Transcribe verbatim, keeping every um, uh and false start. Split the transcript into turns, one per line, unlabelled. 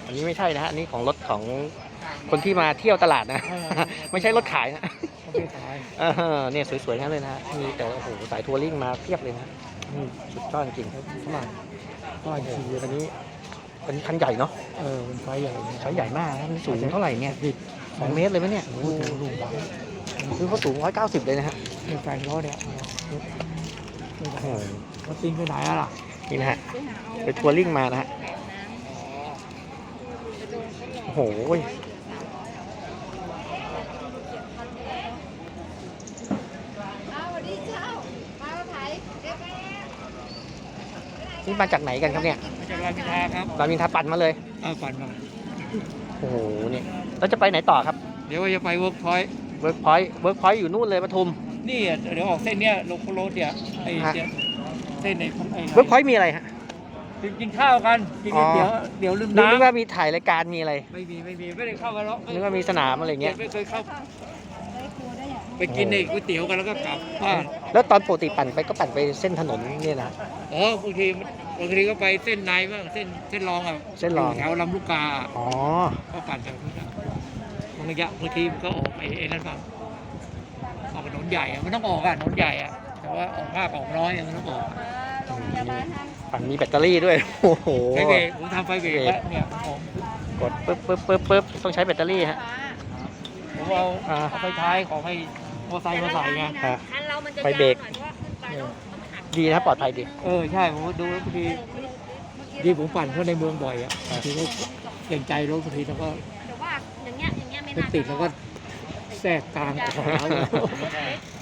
อันนี้ไม่ใช่นะฮะอันนี้ของรถของคนที่มาเที่ยวตลาดนะ ไม่ใช่รถขายนะ
เขาไม่ขาย
เออเนี่ยสวยๆทั้งนั้นเลยนะฮะมีแต่โอ้โหสายทัวริ่งมาเพียบเลยนะนี่สุดยอดจริงๆ
ฝรั่งก็
โอ้
ขี่
โหอันนี้อันนี้คันใหญ่เนาะ
เออเป็นไฟใหญ่
ไซส์ใหญ่มากนะมันสูงเท่าไหร่เนี่ย
ดิบ
สองเมตรเลยไหมเนี่ย
โอ้โหลูกบาศ
คือเขาสูงร้อยเก้าสิบเลยนะฮะ
เป็นแฟนรถเนี่ย
โอ้โห
เขาติ้งไปไหนอะล่ะ
นี่นะฮะไปทัวริ่งมานะฮะโอ้โหนี่มาจากไหนกันครับเนี่ย
มาจากรามอินทราครับ
รามอินทราปั่นมาเลย
เอาปั่นมา
โอ้โหเนี่ยแล้วจะไปไหนต่อครับ
เดี๋ยวจะไปเวิร์กพอยต์
เวิร์กพอยต์เวิร์กพอยต์อยู่นู่นเลยปทุม
นี่อ่ะเดี๋ยวออกเส้นเนี้ยลงโคโรสเนี่ยไอ้
ฮะ
เนี่ยเส้นไอ้ไอ้
เวิร์กพอยต์มีอะไรฮะ
กินข้าวกันกิน
อ๋อ
เดี๋ยวเดี๋ยวลืม
นึก
น้ำ
ว่ามีถ่ายรายการมีอะไร
ไม่มีไม่มีไม่ได้เข้ามาหรอก
นึกว่ามีสนามอะไรเงี้ย
ไม่เคยเข้าไปกินไอ้ก๋วยเตี๋ยวกันแล้วก็กลับบ้าน
แล้วตอนปกติปั่นไปก็ปั่นไปเส้นถนนเนี่ยนะ
อ๋อบางทีบางทีก็ไปเส้นในบ้างเส้นเส้นรองอ่ะ
เส้นรอง
ยู่แถวลำลูกกา
อ๋อ
ก็ปั่นจากนู้นอ่ะบางระยะบางทีมันก็ออกไปไอ้นั่นบ้างออกถนนใหญ่อะมันต้องออกอ่ะถนนใหญ่อ่ะแต่ว่าออกมากออกน้อยอะมันต้องออก
ปั่นมีแบตเตอรี่ด้วย โอ้โห
ไฟเบรกผมทำไฟเบรกแล้วเนี่ยผม
กดปึ๊บปึ๊บปึ๊บปึ๊บต้องใช้แบตเตอรี่ฮะ
ผมเอา
อ่า
เอาไฟท้ายของไอ้มอเตอร์ไซค์มาใส่ไง
ฮะ
คันเรามันจะ
ไฟเบรก
ยาวหน่อยเพราะว่าขึ้นไปแล้วมันหัก
ดีนะปลอดภัยดี
เออใช่ผมดูแล้วบางทีดีผมปั่นเข้าในเมืองบ่อยอ่ะบางทีก็เกรงใจรถบางทีแล้วก็
แต่ว่าอย่างเงี้ยอย่างเงี้ยไม่
ไป
น่า
ติดแล้วก็แทรกกลางขวาเลย